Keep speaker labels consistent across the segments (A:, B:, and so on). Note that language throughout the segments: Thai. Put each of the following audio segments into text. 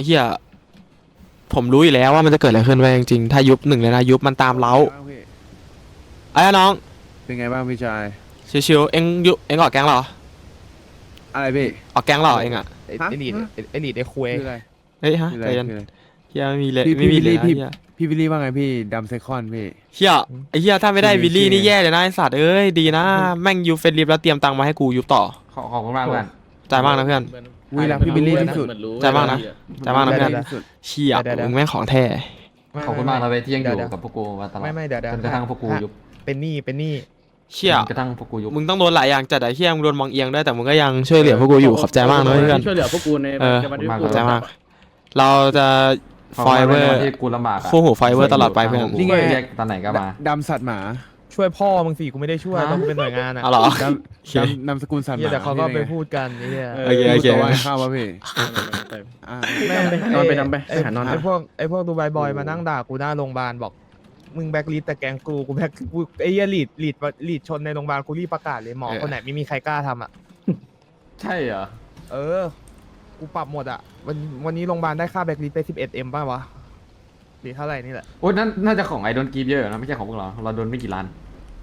A: เฮียผมรู้อยู่แล้วว่ามันจะเกิดอะไรขึ้นไปจริงๆถ้ายุบหนึ่งเลยนะยุบมันตามเล้าไอ้น้อง
B: เป็นไงบ้างพี่ชาย
A: ชิวๆเอ็งยุเอ็งออกแก๊งเหรอ
B: อะไรพี่
A: ออกแก๊งเหรอเอ็งอ่ะ
C: ไอ้ลีดไอ้ลีดไอ้คุย
B: คืออะไร
A: เฮ้ยฮะ
B: คืออะ
A: ใจ
B: ไร
A: เย็น
B: คืออะไร
A: เฮียไม่มีเลย
B: พี่
A: ไม่มีเลย
B: พี่
A: นะเฮีย
B: พี่วิลลี่ว่าไงพี่ดัมไซคอนพี่
A: เฮียไอ้เฮียถ้าไม่ได้วิลลี่นี่แย่เลยนะไอ้สัตว์เอ้ยดีนะแม่งยูเฟนลิฟแล้วเตรียมตังค์มาให้กูยุบต่อ
D: ขอบคุณมากเพื่อน
A: ใจมากนะเพื่อน
B: วิลล่าพี่วิลลี่ที่สุด
A: ใจมากนะใจมากนะเพื่อน
B: ที่สุด
A: เชี่ยมึงแม่งของแท้
D: ขอบคุณมากนะเว้ยที่ยังอยู่กับพวกกูมาตลอด
C: ไม่เดี๋ยว
D: จนกระทั่งพวกกูยุบ
C: เป็นหนี้
A: เชี่ย
D: จนกระทั่งพวกกูยุบ
A: มึงต้องโดนหลายอย่างจัดไอ้เฮียมึงโดนมองเอียงด้วยแต่มึงก็ยังช่วยเหลือพวกกูอยู่ขอบใจมากนะเพื่อน
E: ช่วยเหลือพวกกูใน
A: ขอบใจมากเราจะ
D: ขอบ
A: ฟ
D: คุณ
A: อย
D: มาก
A: เวอ
D: เลย
A: ร์
D: ที่กูลำบากอะ
A: คู่หูไฟเวอร์ตลอดไปเพื่อน
D: นี่ไงเรียกตอนไหนก็มา
B: ดำสัตว์หมา
C: ๆช่วยพ่อมึงสิกูไม่ได้ช่วยต้องเป็นหน่วยงานอ่ะ
A: เอาเหรอ
B: ดำนามสกุลสัตว์ห
C: เฮีย
B: มา
C: แต่เขาก็ไปพูดกันนี่
A: โอเคโอเค
B: ตัวว่าข้าววะพี่อ่า
E: นอนไปนอนไปไปหานอน
C: ไอ้พวกดูไบบอยมานั่งด่ากูหน้าโรงพยาบาลบอกมึงแบ็คลิสต์แต่แกงกูแบ็คกูไอ้เหี้ยลีดชนในโรงพยาบาลกูรีบประกาศเลยหมอคนไหนไม่มีใครกล้าทำอ่ะ
D: ใช่เหรอ
C: กูปรับหมดอ่ะวันนี้โรงพยาบาลได้ค่าแบ็คลิสต์ไป 11M ป่ะวะหรือเท่าไหร่นี่แหละ
D: โอ้ยนั่นน่าจะของไอโดนกีบเยอะนะไม่ใช่ของพวกเราโดนไม่กี่ล้าน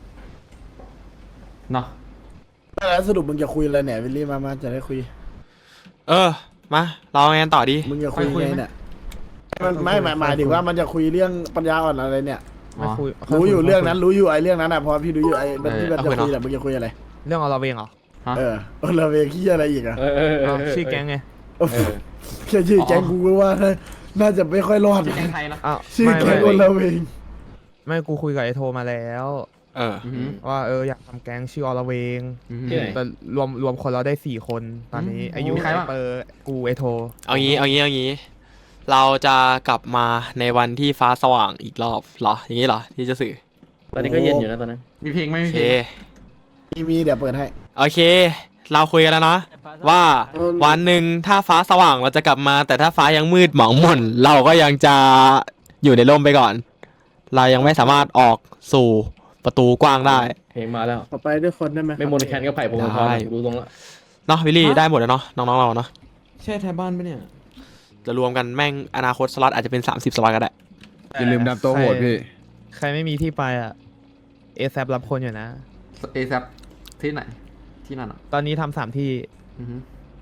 D: เนาะ
F: แล้วสรุปมึงจะคุยอะไรเนี่ยวิลลี่มาจะได้คุย
A: มาเราไงต่อดี
F: มึงจะคุยไงเนี่ยมันไม่หมายถึงว่ามันจะคุยเรื่องปัญญาอ่อนอะไรเนี่ย
D: อ๋อ
F: รู้อยู่เรื่องนั้นรู้อยู่ไอ้เรื่องนั้นอ่ะพอพี่รู้อยู่ไอ้ที่มันจะคุยแต่มึงจะคุยอะไร
C: เรื่องเอาเราเองเหรอ
D: ฮะ
F: เราเวขี้อะไรอีกอ่ะ
C: ชื่อแก๊งไง
F: แค่ชื่อแก๊งกูก็ว่าน่าจะไม่ค่อยรอด
D: ชื่อแกงไทยนะ
C: อ้าว
F: ชื่อแก๊งคนเราเอง
C: ไม่กูคุยกับไอโทมาแล้ว
D: อือหือ
C: ว่าอยากทำแก๊งชื่ออลเวง
D: อือหือ
E: ที่ไหน
C: แต่รวมคนเราได้4 คนตอนนี้อายุ
D: มีใครบ้าง
C: เปอร์กูไอโท
A: เอางี้เราจะกลับมาในวันที่ฟ้าสว่างอีกรอบเหรออย่างนี้เหรอที่จะสื่อ
E: ตอนนี้ก็เย็นอยู่นะตอนนั้น
D: มีเพลงไหม
A: โอ
D: มี
A: เค
D: เพลง
F: มีเดี๋ยวเปิดให้
A: โอเค เราคุยกันแล้วนะว่าวันหนึ่งถ้าฟ้าสว่างเราจะกลับมา แต่ถ้าฟ้ายังมืดหมองหม่นเราก็ยังจะอยู่ในร่มไปก่อน เรายังไม่สามารถออกสู่ประตูกว้างได้
E: เพลงมาแล้ว
F: ขอไปด้วยคนได้ไหม
E: ไม่มนแคนก็ไผ่พงศธรรู้ตรงละ
A: เนาะวิลลี่ได้หมดแล้วเนาะน้องๆเราเนาะ
D: ใช่ไทยบ้านปะเนี่ย
A: จะรวมกันแม่งอนาคตสล็อตอาจจะเป็น30สล็อตก็ได้
B: อย่าลืมดำตัวโหดพี่
C: ใครไม่มีที่ไปอ่ะเอซรับคนอยู่นะ
D: เอซับที่ไหนที่นั่นอ่ะ
C: ตอนนี้ทำ3 ที่
D: อือหือ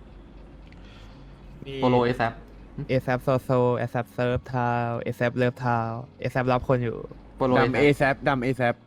C: มี
D: โปโลเอซับ
C: เอซโซโซเอซเซิร์ฟทาวเอซเลิฟทาวเอซรับคนอยู่
D: โปโล
B: ดำเอ
D: เอ
B: แซปดำเอแซป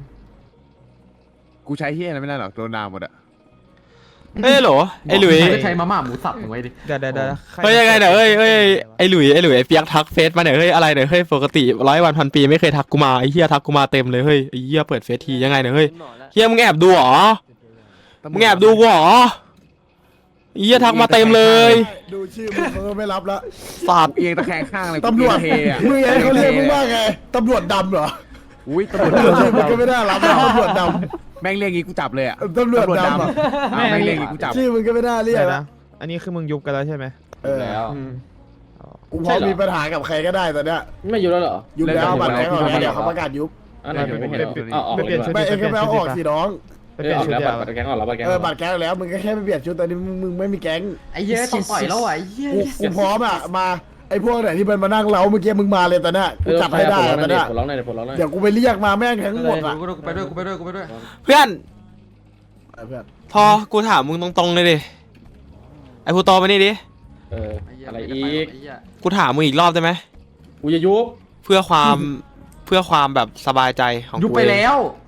B: กูใช้เฮียอะไรไม่ได้หรอกโดนด่าหมดอะ
A: เฮ้ยโหลไอ้หลุย
D: ใช้มาม่าหมูสับถึงไว้ดิ
C: เดี๋ยว
A: เฮ้ยยังไงเนี่ยเฮ้ยไอ้หลุยไอ้เปียกทักเฟซมาเนี่ยเฮ้ยอะไรเนี่ยเฮ้ยปกติ100 วันพันปีไม่เคยทักกูมาไอ้เหี้ยทักกูมาเต็มเลยเฮ้ยไอ้เหี้ยเปิดเฟซทียังไงเนี่ยเฮ้ยเหี้ยมึงแอบดูเหรอมึงแอบดูกูเหรอไอ้เหี้ยทักมาเต็มเลย
F: ดูชื่อมึงเขาก็ไม่รับละ
A: สัตว์
B: เอียงตะแคงข้างเลย
F: ตำรวจ
B: เทอะ
F: มึงไงเขาเรียกมึงว่าไงตำรวจดำเหรอ
B: อุ้ยตำรวจ
F: ชื่อมึงก็ไม่
B: ดำ
F: ได้รับนะตำรวจด
B: แม่งเรียกงี้กูจับเลยอะ
F: ำตำรวจดำอะ
B: อ้าวแม่งเรียกงี้กูจับ
F: ชื่อมึงก็ไม่ได้เรีย
C: เดี๋
F: ก
C: ยว
F: นะ
C: นะอันนี้คือมึงยุบกันแล้วใช่ไหม
D: แล้ว
F: กูพร้อมมีปัญหากับใครก็ได้ตอนเนี้ย
E: ไม่อยู่แล้วเหรอ
F: ยุบแล้วบัตรแก๊งออกแล้วเดี๋ยวเขาประกาศยุบ
E: อันไหนไม่เห็นอ๋อ
C: ไม่เปลี่ยนชุด
F: ไม่เอ็งก็ไปเอาออกสิน้อง
C: ไปเปลี่ยนชุด
E: แล้ว
C: เดียว
E: บัตรแกงออกแล้วบัตรแกง
F: บัตรแก๊งแล้วมึงก็แค่ไปเปลี่ยนชุดตอนนี้มึงไม่มีแก๊ง
D: ไอ้เหี้ยต้องต่อยแล้วอ่ะไอ้เหี้ย
F: กูพร้อมอ่ะมาไอ้พวกไหนที่มันมานั่งเล้าเมื่อกี้มึงมาเลยตอนเนี้ยกูจับให้ได้ตอนเนี้ย
E: ผลร้องหน่อยผลร้องหน่อย
F: เดี๋ยวกูไปเรียกมาแม่งทั้งหมดอ่ะ
D: กูไปด้วยกูไปด้วยกูไปด้วย
A: เพื่อน
F: เพื่อน
A: พอกูถามมึงตรงๆเลยดิไอ้พูโตมานี่ดิ
E: อะไรอีก
A: กูถามมึงอีกรอบได้ไหม
E: กูจะยุบ
A: เพื่อความ เพื่อความแบบสบายใจของกู
D: ยุบไปแล้ว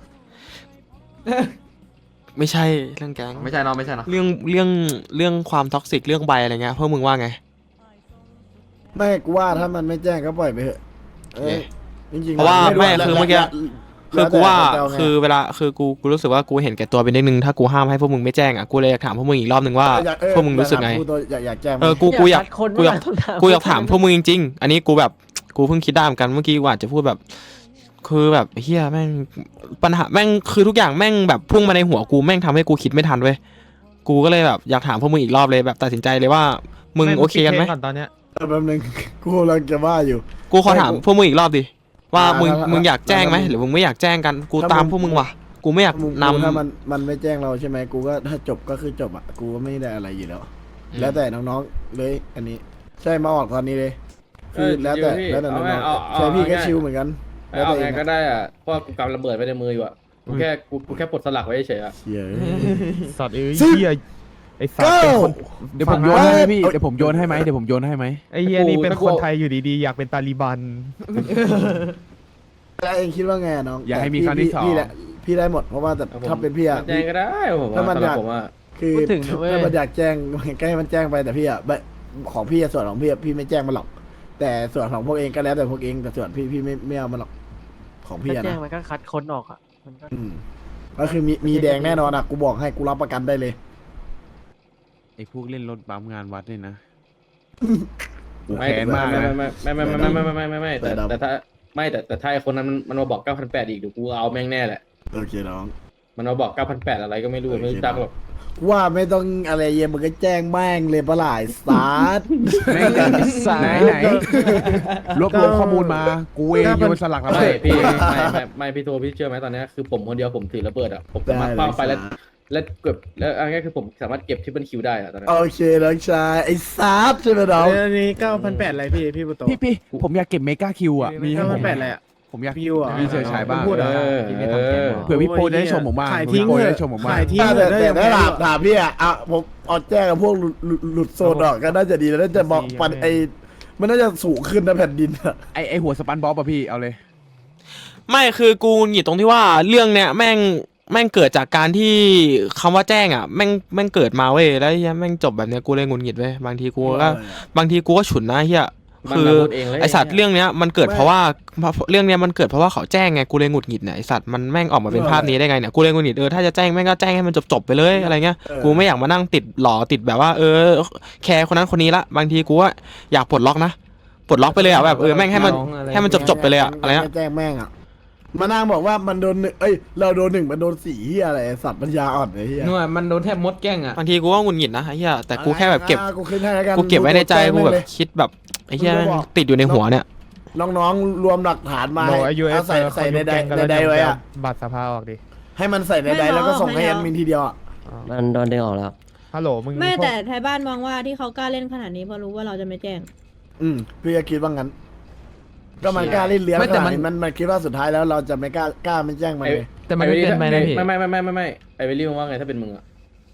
A: ไม่ใช่เรื่องแก๊ง
D: ไม่ใช่เนาะไม่ใช่เนาะ
A: เรื่องความท็อกซิกเรื่องใบอะไรเงี้ยพวกมึงว่าไง
F: ไม่กูว่าถ้ามันไม่แจ้งก็ปล่อยไปเถอะจริงๆ
A: เพราะว่าไม่คือเมื่อกี้ คือกูว่า
F: แล้วแต่
A: คือเวลาคือกูรู้สึกว่ากูเห็นแก่ตัวไปนิดนึงถ้ากูห้ามให้พวกมึงไม่แจ้งอ่ะกูเลยอยากถามพวกมึงอีกรอบนึงว่าพวกมึงรู้สึกไง
F: อยากแจ้ง
A: กูอยากถามพวกมึงจริงๆอันนี้กูแบบกูเพิ่งคิดได้เหมือนกันเมื่อกี้กูอาจจะพูดแบบ คือแบบเฮียแม่งปัญหาแม่งคือทุกอย่างแม่งแบบพุ่งมาในหัวกูแม่งทำให้กูคิดไม่ทันเว้ยกูก็เลยแบบอยากถามพวกมึงอีกรอบเลยแบบตัดสินใจเลยว่ามึงโอเคกันไหม
C: ก่อนตอนเนี้ย
F: แป๊บนึงกูกำลังจะว่าอยู่
A: กูขอถามพวกมึงอีกรอบดิว่ามึง
F: ถ้า
A: มึงอยากแจ้งไหมหรือมึงไม่อยากแจ้งกันกูตามพวกมึงว่ะกูไม่อยากนำ
F: ถ้ามันไม่แจ้งเราใช่ไหมกูก็ถ้าจบก็คือจบอ่ะกูก็ไม่ได้อะไรอยู่แล้ว แล้วแต่น้องๆเลยอันนี้ใช่มาออกตอนนี้เลยคือแล้วแต่
E: พี่
F: แล้วแต่
E: เอา
F: น้
E: ไง
F: อง
E: เอา
F: ๆใช่พี่ก็ชิลเหมือนกันแล้ว
E: เอา
F: แต่
E: ไง
F: เอง
E: ก็ได้อ่ะเพราะกูกำระเบิดไว้ในมืออยู่อ่ะกูแค่ปลดสลักไว้เฉยๆอ่ะ
F: เชี่ย
C: สัตว์เอ้ย
F: สิบ
C: เหี้ยไอ้สัตว์เป็นคน
B: เดี๋ยวผมโยนให้ไหมพี่เดี๋ยวผมโยนให้ไหมเดี๋ยวผมโยนให้ไหม
C: ไอ้เหี้ยนี่เป็นคนไทยอยู่ดีๆอยากเป็นตาลีบัน
F: แล้วเองคิดว่าไงน้อง
B: อย่าให้มีครั้งที่สอง
F: พี่แหละพี่ได้หมดเพราะว่าแต่ถ้าเป็นพี่อะ
E: แจ้งก็ได้ผม
F: ถ้ามัน
E: ว่า
F: อยาก
E: ผมว่า
F: คือ
G: พูดถึงนะเว้ย
F: ถ้ามันอยากแจ้งมันก็ให้มันแจ้งไปแต่พี่อะของพี่อะส่วนของพี่อะพี่ไม่แจ้งมันหรอก แต่ส่วนของพวกเองก็แล้วแต่พวกเองแต่ส่วนพี่ไม่เอามันหรอกของพี่
G: ถ้า
F: อะ
G: แจ้ง
F: นะ
G: มันก็คัดคนออกอ่ะมันก็
F: ก็คือมีแดงแน่นอนอะกูบอกให้กูรับประกันได้เลย
B: ไอ้พวกเล่นรถบัมงานวัดเนี่ยนะกู
E: ไม่
B: แค้นมากนะ
E: ไม่แต่ถ้าไม่แต่ถ้าไอ้คนนั้นมันมาบอก9,800อีกเดี๋ยวกูเอาแม่งแน่แหละ
F: โอเคน้อง
E: มันมาบอก9,800อะไรก็ไม่รู้ไม่รู้จักหรอก
F: ว่าไม่ต้องอะไรเย็นมึงก็แจ้งแม่งเลยปะหลายสาด
B: ไหนรวบรวมข้อมูลมากูเองโยนสลักแล้ว
E: ไม่พี่ไม่พี่โทพี่เชื่อไหมตอนนี้คือผมคนเดียวผมถือระเบิดอ่ะผมสามารถคว้างไปแล้วเก็บแล้วอันนี้คือผมสามารถเก็บที่เป็นคิวได้อะตอนนั้น
F: โอเคน้องชายไอ้สาดใช่ไหมน้อง
H: อันนี้9,800อะไรพี่บุโต
B: พี่ผมอยากเก็บเมกาคิวอ่ะมีให้ผม
H: 9,800อะไรอ่ะ
B: ผมอยาก
H: คิวอ่ะ
B: มีเชิญฉายบ้าง
H: พูดเหรอ
B: เผื่อพี่โปได้ชมผมบ้าง
H: ขายทิ้ง
B: พี่โป
H: เถ
B: ได้
H: อะ
B: ชมผมบ้าง
H: ขายทิ้ง
F: แต่
H: เถอะ
F: แต่ถ้าถามพี่อะผมเอาแจ้งกับพวกหลุดโซนออกก็น่าจะดีแล้วน่าจะบอกปันไอมันน่าจะสูงขึ้นนะแผ่นดินอะ
B: ไอหัวสปันบ๊อบอะพี่เอาเลย
A: ไม่คือกูหงิดตรงที่ว่าเรื่องเนี้ยแม่งเกิดจากการที่คำว่าแจ้งอ่ะแม่งเกิดมาเว้ยแล้วเหี้ยแม่งจบแบบเนี้ยกูเลยงุนหงิดเว้ยบางทีกูก็ฉุนนะเฮียคือไอสัตว์เรื่องเนี้ยมันเกิดเพราะว่าเรื่องเนี้ยมันเกิดเพราะว่าเขาแจ้งไงกูเลยหงุดหงิดเนี่ยไอสัตว์มันแม่งออกมาเป็นภาพนี้ได้ไงเนี่ยกูเลยหงุดหงิดถ้าจะแจ้งแม่งก็แจ้งให้มันจบไปเลยอะไรเงี้ยกูไม่อยากมานั่งติดหล่อติดแบบว่าแคร์คนนั้นคนนี้ละบางทีกูว่าอยากปลดล็อกนะปลดล็อกไปเลยอ่ะแบบแม่งให้มันจบไปเลยอ่ะอะไรเงี้ย
F: แจ้งแม่งอะมานั่งบอกว่ามันโดน1เราโดน1มันโดน4เฮียอะไรสัตว์ปัญญาอ่อนไอ้เฮีย
G: นู่นมันโดนแทบมดแกล้งอ่ะ
A: บางทีกูก็หงุดหงิดนะไอ้เหี้ยแต่กูแค่แบบเก็บ
F: กูขึ้นให้แล้วกัน
A: กูเก็บไว้ในใจกูแบบ
F: เลย
A: คิดแบบไอ้เหี้ยติดอยู่ในหัวเนี่ย
F: น้องๆรวมหลักฐานมา
C: โดยอายุ
F: เอาใส่ในใดไว้อะ
C: บัตรสภาออกดิ
F: ให้มันใส่ในใดแล้วก็ส่งให้แอดมินทีเดียวอะ
G: มันโดนดึงออกแล้ว
C: ฮัลโหลมึง
I: ไม่แต่ไทยบ้านมองว่าที่เขากล้าเล่นขนาดนี้เพราะรู้ว่าเราจะไม่แจ้ง
F: พี่ก็คิดว่างั้น ก็มันกล้าเล่นเลี้ยง
G: ไม่
F: ข
G: แต่
F: นาด
G: มัน
F: นี้มันคิดว่าสุดท้ายแล้วเราจะไม่กล้าไม่แจ้งมันเลย
G: แต่มันไม่เป็นไปนะพี่
E: ไม่ไอเวลลี่มึงว่าไงถ้าเป็นมึงอ่ะ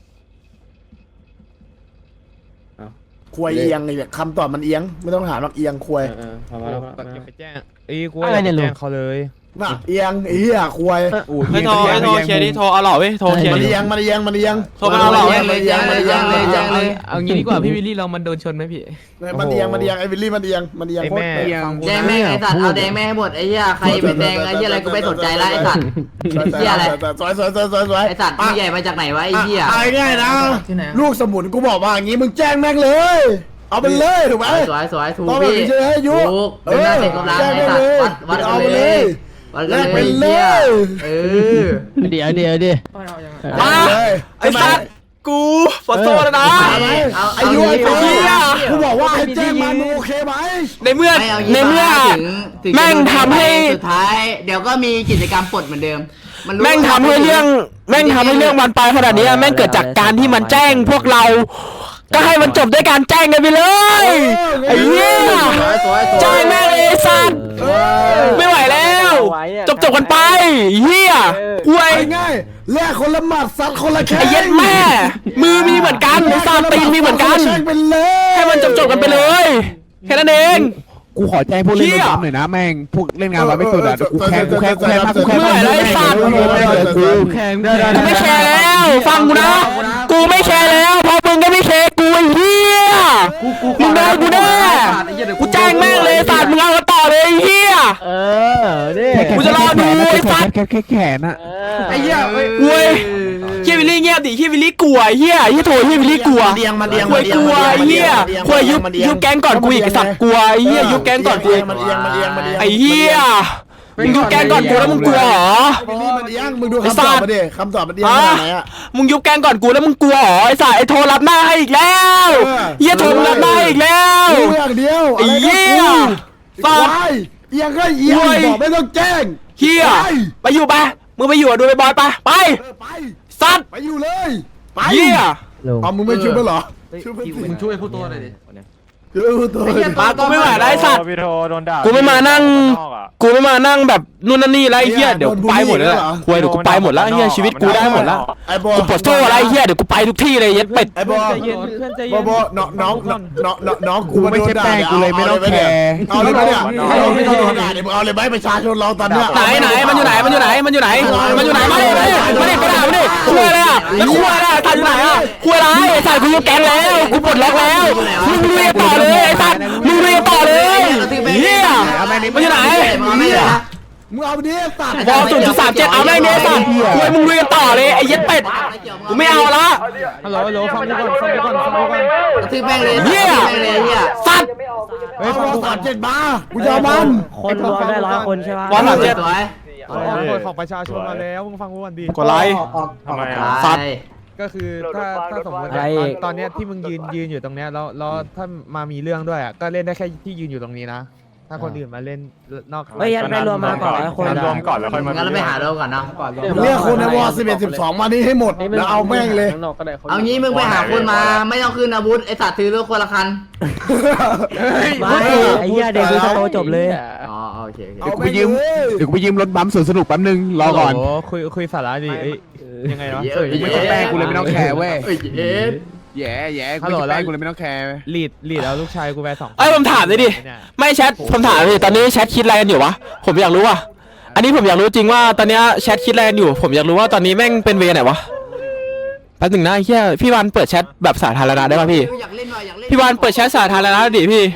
F: ควยเอียงไอ้เนี่ยคำตอบมันเอียงไม่ต้องถามหรอกเอียงควย
E: พอแล้ว
C: ก็ไปแจ้งกูอยากไปแจ้งเขาเลย
F: น่ะเอียงไอ้เหี้ยควย
A: เฮ้ยโทรเคลียร์ดิโทรเอาหล่อเว้ยโทรเคลียร์
F: มัน
A: ดิ
F: เอียงมันเอียงมันเอียง
A: โทรมาเอาหล่อเว้ย
F: มันเอียงมันเอียงมันเอียง
G: เอางี้ดีกว่าพี่วิลลี่เรามันโดนชนไหมพี่
F: มันเอียงมันเอียงไอ้วิลลี่มันเอียงมันเอียง
C: ไอ้
F: โคต
C: แม่
F: รเอียง
C: ฟังกู
H: แดง
C: นะ
H: แม่งไอ้สัตว์เอาแดงแม่งให้หมดไอ้เหี้ยใครเป็นแดงไอ้เหี้ยอะไรกูไม่สนใจแล้วไอ้สัตว์ เหี้ยอะไร
F: สวย
H: ไอ้สัตว์มึงใหญ่มาจากไหนวะไอ้เหี้ย
F: ไอ้ง่ายนะลูกสมุนกูบอกว่าอย่างงี้มึงแจ้งแม่งเลย เอาไปเลยถูกไหม
H: สวยถูก
F: ต้องแบบ
H: พี่
F: นี้ใช่ไหมยุ
H: ถูกเดินหน้าเตะกำลัง
F: แจ้ง
H: ไอ้
F: แม่ง
H: สัต
F: เล
H: ว์
F: ย
H: วัด
F: เอา
H: กัน
F: ไป
H: เล
F: เลย ย
H: วัด
F: แล
H: กัน
F: ก
H: เล
F: ไป
H: ย
F: เล
H: เหี้ย
F: ย
G: เดี๋ยว
A: มาไอ้สัตว์กูขอโทษนะ
F: ไอ้ยุไอ้เหี้ยกูบอกว่าให้แจ้งมันมึงโอเคไหม
A: ในเมื่อ
H: ไม่เอา
A: ในเมื่อ
H: ถึง
A: แม่งทำให้
H: สุดท้ายเดี๋ยวก็มีกิจกรรมปลดเหมือนเดิมรู้
A: แม่งทำให้เรื่องมันไปขนาดนี้แม่งเกิดจากการที่มันแจ้งพวกเรา ก็ให้มันจบด้วยการแจ้งกันไปเลยไอ้เหี้ย
H: สวย
A: แจ้งแม่งเลยไอ้สัตว์ไม่ไหวแล้วจบกันไปเหี้ยอวย
F: ง่ายๆแลกคนละหมัดซัดคนละแข้ง
A: ไอ้เย็ดแม่ มือมีเหมือนกันไอ้ซาตีนมีเหมือนกัน
F: แข่งไปเลย
A: ให้มันจบกันไปเลยแค่นั้นเอง
B: กูขอแจ้งพวกเล่นรถบัมหน่อยนะแม่งพวกเล่นงานวัดไม่สุดอ่ะกูแค้นมากกูแค้น
A: เมื่อไหร่ไอ้สัตว์
G: แข่ง
A: กูไม่แคร์แล้วฟังกูนะกูไม่แคร์แล้วเพราะมึงก็ไม่แคร์กูไอ้เหี้ยมึงได้กูแน่กูแจ้งแม่งเลยสัตว์มึงเอาต่อเลยไอ้เหี้ย
G: นี่
A: กูจะรอดูไอ้สัตว์
B: แขนอะ
H: ไอ้เหี้ย
A: เว้ยเฮียวิลลี่เงียบดิเฮียวิลลี่กลัวเฮียโถเฮียวิลลี่กลัว
F: เดียงมาเดียง
A: ควยกลัวไอ้เฮียควยยุบแก๊งก่อนกูอีกไอ้สัตว์กลัวไอ้เฮียยุบแก๊งก่อนกูอีก
F: มันเอียงมันเอียงมันเอียง
A: ไอ้เฮียมึงยุบแก๊งก่อนกูแล้วมึงกลัวเหรอ
F: วิลลี่มันเอียงมึงดูคำตอบมาดิคำตอบมันเอียงขนาดไหนอะ
A: มึงยุบแก๊งก่อนกูแล้วมึงกลัวเหรอไอ้สัตว์ไอ้โทรรับหน้าให้อีกแล้วเฮียโทรรับหน้าให้อีกแล้ว
F: รู้อย่างเดียว
A: ไอ้เหี้ย
F: ฟาดเอียงก็เอียงบอกไม่ต้องแจ้ง
A: เฮียไปอยู่ไปมึงไปอยู่ดูไปบอยไปไป
F: ไป
A: สัตว์
F: ไปอยู่เลยไป
A: เฮีย
F: เอามึงไม่ช่วยมั้ยเหรอ
G: มึงช่วยพูดตัวหน่อยดิ
A: มากูไม่ไหวแล้วไอ้สัตว์
J: พี่โทโดนด่า
A: กูไม่มานั่งแบบนู่นนั่นนี่แล้วไอ้เหี้ยเดี๋ยวกูไปหมดแล้วคุยเดี๋ยวกูไปหมดแล้วไอ้เหี้ยชีวิตกูได้หมดแล้ว
F: ไอ้โบ
A: กูปวดโซ่อะไรไอ้เหี้ยเดี๋ยวกูไปทุกที่เลยเย็ดเป็ด
F: ไอ้โบ
C: ใจเย็นเพื่อนใจเย็น
F: โบน้องกู
B: ไม่ใช่แป้งกูเลยไม่ต้องแคร์
F: เอาเลยไหมเนี่ยไม่ต้องโดนด่าเดี๋ยวมึงเอาเลยไหมประชาชนเราตอนเนี้ย
A: ไหนมันอยู่ไหนมาดิมาดิไปด่ามาดิคุยอะไรอ่ะแล้วคุยอะไรถ่ายอยู่ไหนอ่ะคุยอะไรถ่ายกูยกแกงแล้วกูปลดล็อกแล้วมึงเรียต่อเลยไอ้สัตว์มึงเรียต่อเลยเฮียมันอยู่ไหน
F: มึงเอาดิสัตว์
A: บอล0.37เอาแม่งเนี้ยสัตว์คุยมึงเรียต่อเลยไอ้เย็ดเป็ดกูไม่เอาละ
C: ฮัลโหลฟังกูก่อน
H: กระทืบแม่งเลยกระทืบแม่งเลยเฮีย
A: สัตว์
F: เฮ้ย37มากูจะเอามัน
G: คนรวมได้100 คนใช่ปะ
A: บอล37
H: สวย
C: กฎของประชาชนมาแล้วมึงฟังกูก่อนดี
A: กดไลค์
J: ทำไม
A: สัตว์
C: ก็คือถ้าสมมติตอนเนี้ยที่มึงยืนอยู่ตรงเนี้ยแล้วถ้ามามีเรื่องด้วยอ่ะก็เล่นได้แค่ที่ยืนอยู่ตรงนี้นะถ้าคนอื่นมาเล่นนอก
G: ไม่ยันไม่รวมมาก่อน100 คน
J: รวมก่อนแล้วค่อยมา
H: งั้นเราไปหาเราก่อนเนาะ
F: เรียกคนในวอร์11-12มานี่ให้หมดแล้วเอาแม่งเลย
H: เอางี้มึงไปหาคนมาไม่ต้องขึ้นอาวุธไอสัตว์ถือรถคนละคัน
G: ไม่ไอ้เหี้ยเด็กดูสโตจบเลย
H: อ๋อโอเค
B: เดี๋ยวกูไปยืมรถบัมป์สวนสนุกแป๊บนึงรอก่อน
C: โคุยสาระดิยังไงวะ
B: กูไม่ใช่แป้งกูเลยไม่ต้องแคร์เว้ย
H: เอ๊ะ
B: แย่กูไม่ใช่แป้งกูเลยไม่ต้องแคร์
C: ลีดเอาลูกชายกูไป2
A: ไอ้ผมถามเลยดิไม่แชทผมถามเลยตอนนี้แชทคิดอะไรกันอยู่วะผมอยากรู้ว่ะอันนี้ผมอยากรู้จริงว่าตอนนี้แชทคิดอะไรกันอยู่ผมอยากรู้ว่าตอนนี้แม่งเป็นเวไหนวะแป๊บหนึ่งนะไอ้เหี้ยพี่วันเปิดแชทแบบสาธารณะได้ป่ะพี่
H: อยากเล่นหน่อยอยากเล่น
A: พี่วันเปิดแชทสาธารณะดิพี่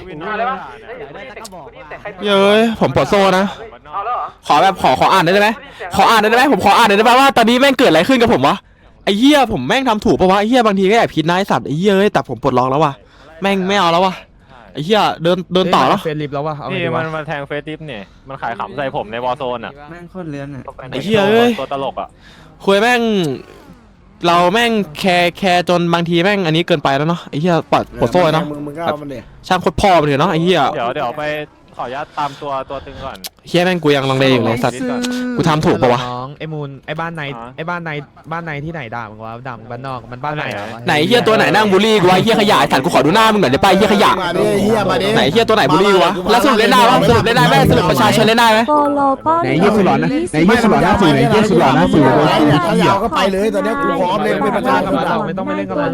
A: เย้ยผมปวดโซ่นะขอแบบขออ่านได้ไหมขออ่านได้ไหมผมขออ่านได้ไหมว่าตอนนี้แม่งเกิดอะไรขึ้นกับผมวะไอ้เหี้ยผมแม่งทำถูกปะวะไอ้เหี้ยบางทีก็แอบคิดนายสัตว์ไอ้เหี้ยแต่ผมปลดล็อกแล้ววะแม่งไม่เอาแล้ววะไอ้เหี้ยเดินต่อแล้ว
C: เฟซลิฟแล้ววะเอาไง
J: นี่
C: ดี
J: มั
C: วะ
J: นมาแทงเฟซทิปเนี่ยมันขายขำใส่ผมในวอลโซนอ่ะ
G: แม่งโคตรเลื้อนอ่ะ
A: ไอ้เหี้ยเอ้ย
J: ตัวตลกอ่ะ
A: คุยแม่งเราแม่งแคร์จนบางทีแม่งอันนี้เกินไปแล้วเนาะไอ้เหี้ยปลดโซ่เนาะ
F: มึงก็เอามันเนี่ย
A: ช่างโคตรพ่อไปเลยเนาะไอ้เหี้ย
J: เดี๋ยวไปขออนุญาตตามตัวตึงก่อน
A: เหี้ยแม่งกูยังลังเลอยู่เลยสัตว์กูทำถูกปะวะ
C: น้องไอ้มูลไอ้บ้านไหนบ้านไหนที่ไหนด่ามึงวะด่ามึงบ้านนอกมันบ้านไหนวะ
A: ไหนเหี้ยตัวไหนนั่งบูลลี่กูวะไอ้เหี้ยขยะไอ้สัตว์กูขอดูหน้ามึงหน่อยได้ป่ะไอ้เหี้ยขยะ
F: มาดิเฮียมาดิ
A: ไหนเหี้ยตัวไหนบูลลี่กูวะแล้วสรุปเล่นได้ปะสรุปเล่นได้ไหมสรุปประชาชนเล่นได้ไหม
B: ไหนเยี่ยสุดหล่อนะไหนเยี่ยสุดหล่อหน้าสื่อไหนเยี่ยสุดหล่อหน้าสื่อ
F: ถ้ายาวก็ไปเลยตอนนี้กูพร้อมเลยเป็นประชาชน
C: ไม่ต้องไปเล่นกับมัน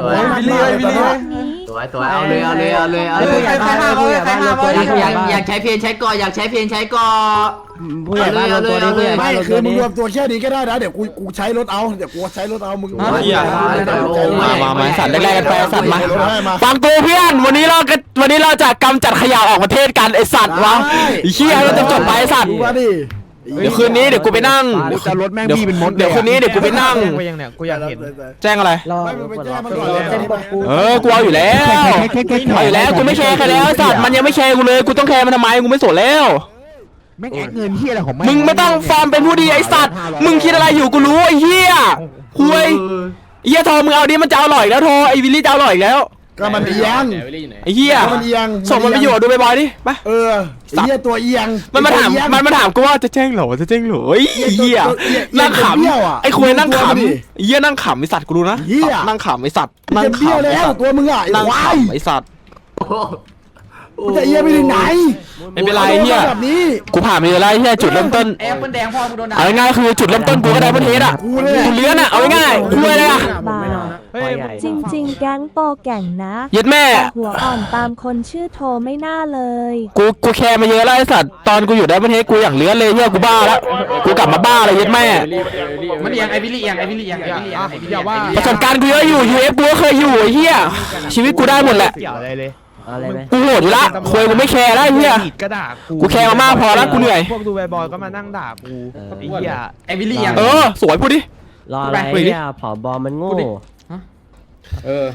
H: สวยเอาเลยใครห้ามอยากใช้เพียนใช้ก่ออยากใช้เพียนใช้ก่อ
G: ผู้ใหญ่บ้านรวมตัวนี้ผู้ใหญ่บ้า
F: ไม่
G: นรวม
F: คื
G: ตั
F: อ
G: ว
F: มึง
G: นี้
F: รวมตัวแค่นี้ก็ได้นะเดี๋ยวกูใช้รถเอาเดี๋ยวกูใช้รถเอามึง
A: เหี้ยมาสัตว์แรกๆกันไปสัตว์มาฟังกูเพื่อนวันนี้เราจะกำจัดขยะออกประเทศกันไอสัตว์วะไอ้เหี้ยเราจะจบไปไอ้สัตว์
F: มาดิ
A: เดี๋ยวคืนนี้เดี๋ยวกูไปนั่ง
B: จะรถแม่งบี้เป็นมด
A: เดี๋ยวคืนนี้เดี๋ยวกูไปนั่ง
C: แจ้งไปยังเนี่ยกูอยากเห็น
A: แจ้งอะไร
G: รอ
F: ไม่มึงไปแจ้งมันก่อนเลย
A: กูเอาอยู่แล้วเอาอยู่แล้วกูไม่แคร์ใครแล้วไอ้สัตว์มันยังไม่แคร์กูเลยกูต้องแคร์มันทำไมกูไม่สนแล้ว
B: แม่งแอกเงินเฮียอะไรของ
A: มึงไม่ต้องฟอร์มเป็นผู้ดีไอสัตว์มึงคิดอะไรอยู่กูรู้ไอ้เหี้ยคุยเหี้ยโทรมึงเอาดิมันจะอร่อยแล้วโทรไอ้วิลลี่จะอร่อยแล้ว
F: ก็มันเอียง
A: ไอ้เหี้ย
F: มันเอียง
A: ส่งมันไปอยู่ดูบ่อยๆดิไป
F: เออไอ้เหี้ยตัวเอียง
A: มันมาถามกูว่าจะแจ้งเหรอจะแจ้งเหรอไอ้เหี้ยนั่งขำไอ้คุยนั่งขำไอ้เหี้ยนั่งขำไอ้สัตว์กูรู้นะนั่งขำไอ้สัตว์นั่ง
F: จะเบี้ยว
A: ขำ
F: แล้วตัวมึงอ่ะไอ้
A: นั่ง
F: ควาย
A: ขำไอ้สัตว์
F: มึงจะเอียงไปถึงไหน
A: ไม่เป็นไรเหี้ย
F: แบบนี้
A: กูผ่านมาเยอะแล้วเหี้ยจุดเริ่มต้น
H: แอปมันแดงพอมึงโดนด่า
A: เอาง่ายๆคือจุดเริ่มต้นกูก็ได้ประเทศอ่ะกูเลี้ยนอ่ะเอาง่ายๆคุยเลยอ่ะ
C: เฮ้ย
K: จริงๆ แก๊งโปแก่งนะ
A: เย็ดแม่
K: หัวอ่อนตามคนชื่อโทไม่น่าเลย
A: กูแคร์มาเยอะแล้วไอ้สัตว์ตอนกูอยู่ได้ประเทศกูอย่างเลี้ยนเลยเหี้ยกูบ้าแล้วกูกลับมาบ้าเลยเย็ดแม่
H: มันเอียงไอวิลลี่เอียง
C: อย่าว่า
A: ประสบการณ์กูเยอะอยู่ UF กูก็เคยอยู่ไอ้เหี้ยชีวิตกูได้หมดแหละ
C: เกี่ยวอะไรเลย
G: อะไรไหม
A: กูโหดอยู่ละคุยกูไม่แคร์แล้วไอ้เหี้ย
C: ก็ด่ากู
A: กูแคร์มามากพอแล้วกูเหนื่อย
C: พวกดูบอยก็มานั่งด่ากูไอ้เหี้ย
H: ไอวิลลี่เอียง
A: สวยพูดดิ
G: รออะไรเนี่ยผอบอมันโง่
E: เออ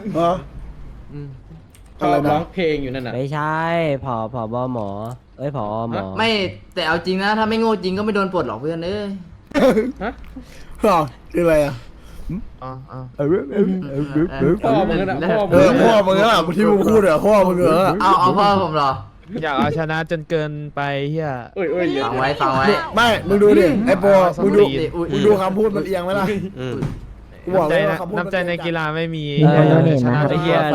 E: ชอบร้องเพลงอยู่นั่นน่ะ
G: ไม่ใช่ผอบอหมอเอ้ยผอหมอ
H: ไม่แต่เอาจริงนะถ้าไม่โง่จริงก็ไม่โดนปลดหรอกเพื่อนเอ้ย
F: คืออะไรอ่ะ
E: พ่อมึงน่ะพ่อ
F: เอ
E: มึ
F: อง พ่อมึงอ่ะที่มึงพูดเหรอพ่อมึงเหรอ
H: เอาพ่อผมเหรอ
C: อยากเอาชนะจนเกินไปเฮีย
E: เอ้ย
H: ฟังไว้
F: ไม่มึงดูดิไอ้โปมึงดูคำพูดมันเอียงไหมล่ะกูบอกเลยว่า
C: น้ำใจในกีฬาไม่มี
G: ชนะ
C: ไอ้เหี้ย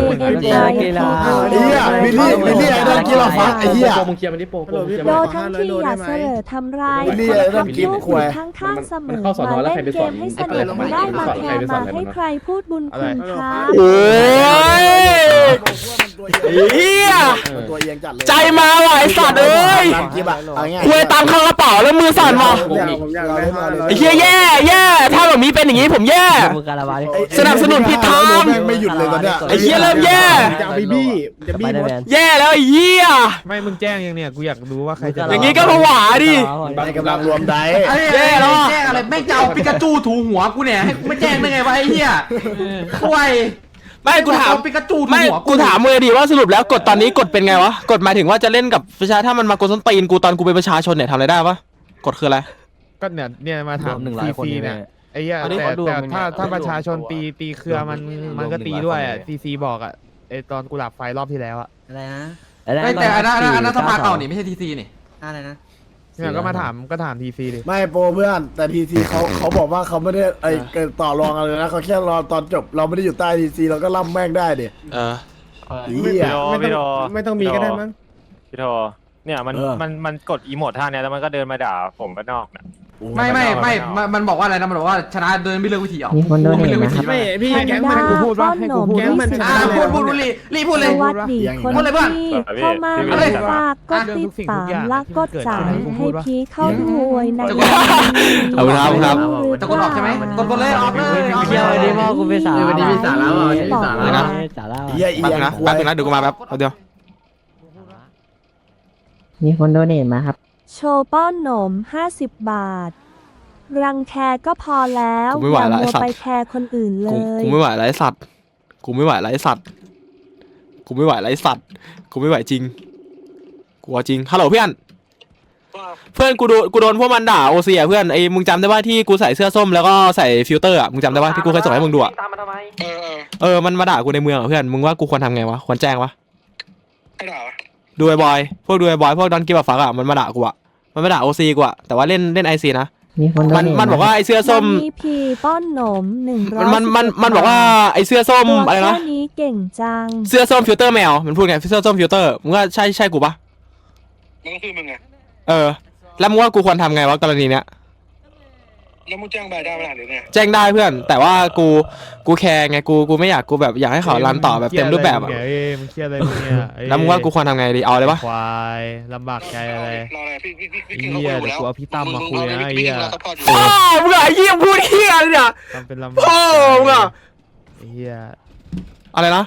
F: วิลลี่ไอ้ดอนกีฬาฟักไอ้เหี้ย
E: โปมึงเคลียร์มันดิโปมึงเคลียร์
K: โด
E: มัน
K: ทั้งที่อย่าเสลอทำร้าย
F: วิลลี่ไอ้ดอนกีฬาควาย
K: ข้างๆเสมอ
E: เข้าสอนอ
K: มา
E: แล้ว
K: เล่
E: ใคร
K: น
E: ไป
K: เก
E: สอน
K: มให้สนุกไม่ได้มาแคร์มาให้ใครพูดบุญคุณครับ
A: โอ้ยเฮีย
F: ตัวเอียงจัดเลย
A: ใจมาว่ะไอสัตว์เอ้ย
F: กิบอะเอาง่าย
A: คุยตังค์เข้ากระเป๋าแล้วมือสั่นว่ะไอ้เฮียแย่ถ้าแบบนี้เป็นอย่างนี้ผมแย่
G: มึงการละวาดิ
A: สนับสนุนผิดทาง
F: ไม่หยุดเลยตอนเนี้ย
A: ไอ้เฮียเริ่มแย่
B: จะเอาไปบี้จะบี้
G: ไปได้
B: หมด
G: แมน
A: แย่แล้วไอ้เฮีย
C: ไม่มึงแจ้งยังเนี่ยกูอยากรู้ว่าใครจะ
A: อย่างงี้ก็ผวาดิ
F: ในกำลังรวมได้
H: แย่แล้วแจ้งอะไรแม่งจะเอาปิกาจูถูหัวกูเนี่ยให้กูไม่แจ้งได้ไงวะไอ้เหี้ยควาย
A: ไม่กูถาม
H: ปิกาจูถู
A: ไม่
H: หัว
A: กูถามมือดีว่าสรุปแล้วกฎตอนนี้กฎเป็นไงวะกฎหมายถึงว่าจะเล่นกับประชาถ้ามันมากดส้นตีนกูตอนกูเป็นประชาชนเนี่ยทำอะไรได้ปะกฎคืออะไร
C: ก็เนี่ยมาถาม
G: 100 คน
C: ซี
G: เนี่
C: เนี่ย ยไอ้เหี้ยแต่ถ้าประชาชนตีเครือมันก็ตีด้วยอ่ะซีบอกอ่ะไอ้ตอนกูหลับไฟรอบที่แล้วอ่ะ
H: อะไรนะแต่อันนั้นสภาเก่านี่ไม่ใช่ทีซีนี่อะไรนะ
C: เนี่ยก็ถามทีซีดิ
F: ไม่โปรเพื่อนแต่ทีซีเขาบอกว่าเขาไม่ได้เกิดต่อรองอะไรนะเขาแค่รอตอนจบเราไม่ได้อยู่ใต้ทีซีเราก็ล่ำแม่งได้ดิ
J: พี่
F: เหี้ย
J: โทพี่โท
B: ไม่ต้องมีก็ได้มั้ง
J: พี่โทเนี่ยมันกดอีโมดท่าเนี้ยแล้วมันก็เดินมาด่าผมบ้านนอกเนี่ย
H: ไม่มันบอกว่าอะไรนะมันบอกว่าชนะเดินไม่เลือกวิธีออก
G: มีคนโดน
H: ไม่
G: เห็
H: เลื
G: น
H: อกวิ
G: นะค
H: ธี
G: รับ
B: ไม่พี่
K: แพน
B: แก๊ง
K: ด้า
B: มันกูพูด
K: ป้
B: ว่า
K: อน
B: ให้
K: หน
B: กู
K: ม
B: พูด
K: ที่สุด
H: รีพูดเลย
K: สวัสดีคน
H: พูดเลยเพื่อน
K: ที่เข้ามาฝากกดติดตามและกดจ่ายให้พี่เข้าด้วยนะ
A: เอาครับ
H: จะกดออกใช่ไหมกดเลยออกเลย
G: เที่ยววันนี้พ่อกูไปสาระ
H: วันนี้มีสาระว่ะวันนี้มีสาระ
A: นะ
G: สาระ
F: เหี้ยเอี
A: แป๊บ
F: ยง
A: นึงนะ
F: ควา
A: แป๊บ
F: ย
A: นึงนะเดี๋ยวกูมาแป๊บเอาเดียว
G: มีคนโดนเห็นมาครับ
K: โชว์ป้อนหนม50 บาท รังแคก็พอแล้ว
A: กูไม่ไหว
K: อย่า
A: ละ
K: มัว
A: ไอ้สัตว์
K: ไปแคร์คนอื่นเล
A: กู
K: ย
A: ไม่ไหวแล้วไอ้สัตว์กูไม่ไหวแล้วไอ้สัตว์กูไม่ไหวแล้วไอ้สัตว์กูไม่ไหวจริงกูเอาจริงฮัลโหลเพื่อนกูโดนพวกมันด่าโอเซียเพื่อนไอ้มึงจำได้ว่าที่กูใส่เสื้อส้มแล้วก็ใส่ฟิลเตอร์อ่ะมึงจำได้ว่าที่กูเคยส่งให้มึงดูอ่ะมันมาด่ากูในเมืองอ่ะเพื่อนมึงว่ากูควรทำไงวะควรแจ้งวะดูไอ้บอยพวกดอนกิฟต์ฟักอ่ะมันมาด่ากูอ่ะมันมาด่าโอซีกูอ่ะแต่ว่าเล่นไอซีนะ
G: มีคนโดนเห็น
A: มันบอกว่าไอเสื้อส้ม
K: วันนี้พีป้อนหนม100
A: มันบอกว่าไอเสื้อส้ม
K: ตัว
A: อะไรนะ
K: แค่นี้เก่งจัง
A: เสื้อส้มฟิลเตอร์แมวมันพูดไงเสื้อส้มฟิลเตอร์มึงว่าใช่กูปะ
L: มันก็คือมึงไง
A: แล้วมึงว่ากูควรทำไงวะกรณีเนี้ย
L: แล้วมึงแจ้งใบได้ไหมล่ะหรือไง
A: แจ้งได้เพื่อน แต่ว่ากูแคร์ไงกูไม่อยากกูแบบอยากให้เขารันต่อแบบเต็มรูปแบบอ่ะ
C: มึงเครียดอะไรมึงเนี่ย
A: แล้วมึงว่ากูควรทำไงดีเอาเลยปะ
C: ควายลำบากใจอะไร
L: รออะไรพี่
C: ไอ้
L: กินเขา
C: เหี้ย
L: คุยอยู่
C: เดี๋ยว
L: แล้ว
C: กูเอาพี่ตั้มมาคุยนะไอ้
L: พี่
C: เหี้
L: กิ
C: ย
L: นเราซัพพอร์ตอยู่
A: พ่อมึงอะไอ้เหี้ยพูดเหี้ยอะไรเนี่ย
C: ทำเป็นลำบาก
A: พ่อมึงอะ
C: ไอ้เหี้ย
A: อะไรนะ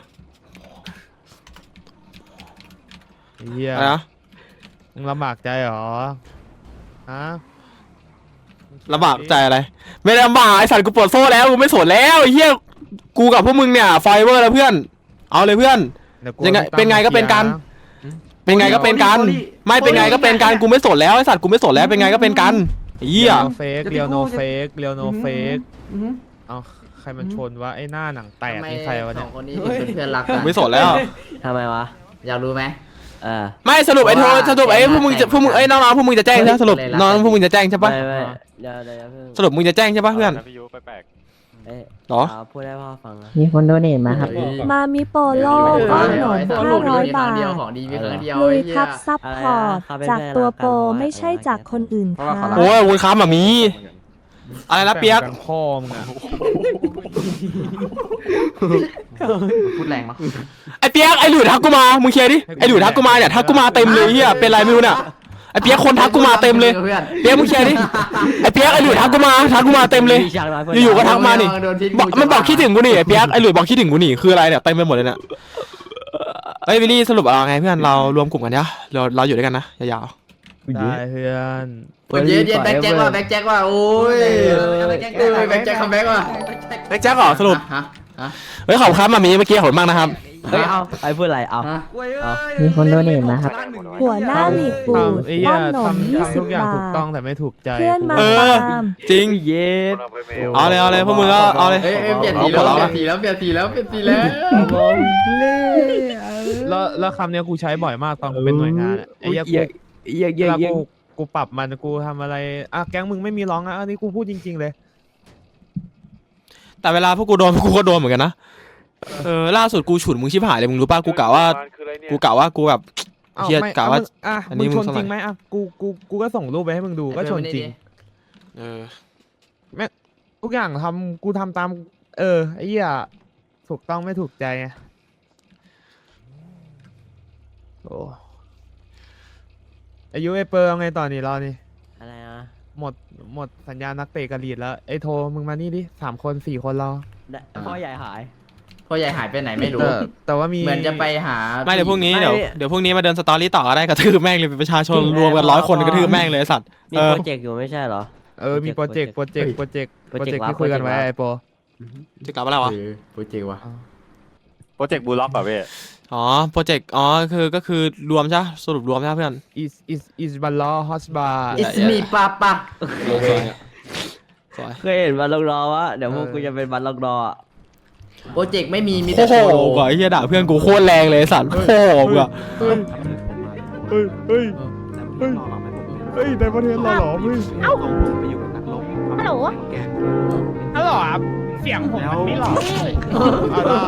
C: ไอ้เหี้ย
A: อะไรนะ
C: มึงลำบากใจเหรอฮะ
A: ลำบากใจอะไรไม่ได้ลำบากไอสัตว์กูปวดโซ่แล้วกูไม่สนแล้วไอ้เหี้ยกูกับพวกมึงเนี่ยไฟเวอร์แล้วเพื่อนเอาเลยเพื่อน
C: ดี๋วกู
A: ยังไง
C: อาพี่ตั้ม
A: เป็นไงก็เป็นกัน เป็นไงก็เป็นกันไม่เป็นไงก็เป็นกันกูไม่สนแล้วไอสัตว์กูไม่สนแล้วเป็นไงก็เป็นกันไอ้เหี้ย
C: เรียวโนเฟกเรียวโนเฟกเอาใครมันชนวะไอ้หน้าหนังแตกนี่ใครวะเนี่ย
H: คนนี้เป็นเพื่อนรัก
A: กูไม่สนแล้ว
G: ทำไมวะ
H: อยากรู้ไหม
A: ไม่สรุปไอ้โทรสรุปไอ้พวกมึงไอ้น้องๆพวกมึงจะแจ้งใช่ไหมสรุปน้องพวกมึงจะแจ้งใช่ปะ
G: ไม่เดี๋ยวเพิ่ง
A: สรุปมึงจะแจ้งใช่ปะเพื่อน
J: พี่ยุแปลก
A: หรอ
G: พูดให้พ่อฟังมีคนโดนเห็นมาครับ
K: มามิโปโลป้อนหนม500 บาท
H: ของดีมีครั้งเดียว
K: ลุยครับซับพอร์ตจากตัวโปรไม่ใช่จากคนอื่นครับ
A: โอ้ยวุ้นค้าแบบนี้อะไรนะเปียก
C: แบ่งพ่อมึงอะ
H: พูดแรงมั้ง
A: ไอ้เปียกไอ้หลุยทักกูมามึงเคลียร์ดิไอ้หลุยทักกูมาเนี่ยทักกูมาเต็มเลยเฮียเป็นไรไม่รู้เนี่ยไอ้เปียกคนทักกูมาเต็มเลยเปียกมึงเคลียร์ดิไอ้เปียกไอ้หลุยทักกูมาเต็มเลยอยู่ๆก็ทักมานี่มันบอกคิดถึงกูนี่ไอ้เปียกไอ้หลุยบอกคิดถึงกูนี่คืออะไรเนี่ยเต็มไปหมดเลยเนี่ยเอ้ยวิลลี่สรุปเอาไงเพื่อนเรารวมกลุ่มกันเนี่ยเราอยู่ด้วยกันนะยาว
C: ได้เพื่อน
H: เย็นแบ็คแจ็คว่าโอ้ยแบ็คแจ็คคัมแบ็คว่ะ
A: ๆแจ็คเหรอสรุป
H: ฮะ
A: เฮ้ยขอบคุณครับมามีเมื่อกี้ขอบคุณมากนะครับ
G: เฮ้ยเอาไอ้พูดอะไรเอามีคนโดนเห็นมาครับ
K: หัวหน้าหลีดปูด
C: ไอ้เหี้
K: ป้
C: ย
K: อนหนม
C: ทำทุกอย่าง
K: 20
C: ถู
K: บาก
C: ต้อ
K: ท
C: งแต่ไม่ถูกใจ
K: เพื่อนมา
A: เออ
K: ตาม
A: จริง
G: เย็ด
A: เอาเลยพวกมึงก็เอาเลย
H: เปลี่ยนสีแล้วเปลี่ยนสีแล้ว
C: แล้วคำเนี้ยกูใช้บ่อยมากตอนกูเป็นหน่วยงานอะไอ้เหี้ยเวลากูปรับมันกูทำอะไรอ่ะแก๊งมึงไม่มีร้องอ่ะอันนี้กูพูดจริงๆเลย
A: แต่เวลาพวกกูโดนพวกกูก็โดนเหมือนกันนะล่าสุดกูฉุนมึงชิบหายเลยมึงรู้ป่ะกูกะว่ากูแบบ
C: เอ้า
A: เฮีย
C: ไม่
A: กะว่า
C: อ่ะ
A: อันนี้
C: มึงชน
A: มึง
C: จริงไหมอ่ะกูก็ส่งรูปไปให้มึงดูก็ชนจริง ทุกอย่างกูทำตามไอ้เหี้ยถูกต้องไม่ถูกใจไงโอ้อายุไอเปอร์เอาไงต่อนี่รอนี่
G: อะไรนะ
C: หมดสัญญานักเตะกับลีดแล้วไอโทมึงมานี่ดิ3 คน 4 คนเรา
G: พ่อใหญ่หาย
H: พ่อใหญ่หายไปไหนไม่รู้
C: แต่ว่ามี
H: เหมือนจะไปหา
A: ไม่เดี๋ยวพรุ่งนี้
G: ไม่
A: เดี๋ยวพรุ่งนี้มาเดินสตอรี่ต่อก็ได้กระทืบแม่งเลยเป็นประชาชนรวมกัน100 คนกระทืบแม่งเลยไอ้สัตว์
G: มีโปรเจกต์อยู่ไม่ใช่เหรอ
C: มีโปรเจกต์ที่คุยกันไว้ไอโป
A: จะกลับมาแล้ววะ
H: โปรเจกต์วะ
J: โปรเจกต์บูล็อกแบบเว้ย
A: อ๋อโปรเจกต์ก็คือรวมใช่สรุปรวมใช่เพื่อน
C: is บัลลอฮอสบา
H: อิสมีปาปะ
E: โลกเนี่ย
A: สวย
G: เคยเห็นบัลลงรอวะเดี๋ยวพวกกูจะเป็นบัลลงรออ่ะ
H: โปรเจกต์ไม่มี
A: โอ้
H: แต่
A: โห
H: โปโล
A: กว่าไอ้เหี้ยด่าเพื่อนกูโคตรแรงเลยไอ้สัตว์โอ้โหกูอะ
C: เฮ้ยในประเทศเราเหรอพี่
K: ฮัลโหล
C: ฮัลโหลครับเสียงผมมันไม่หล่อได้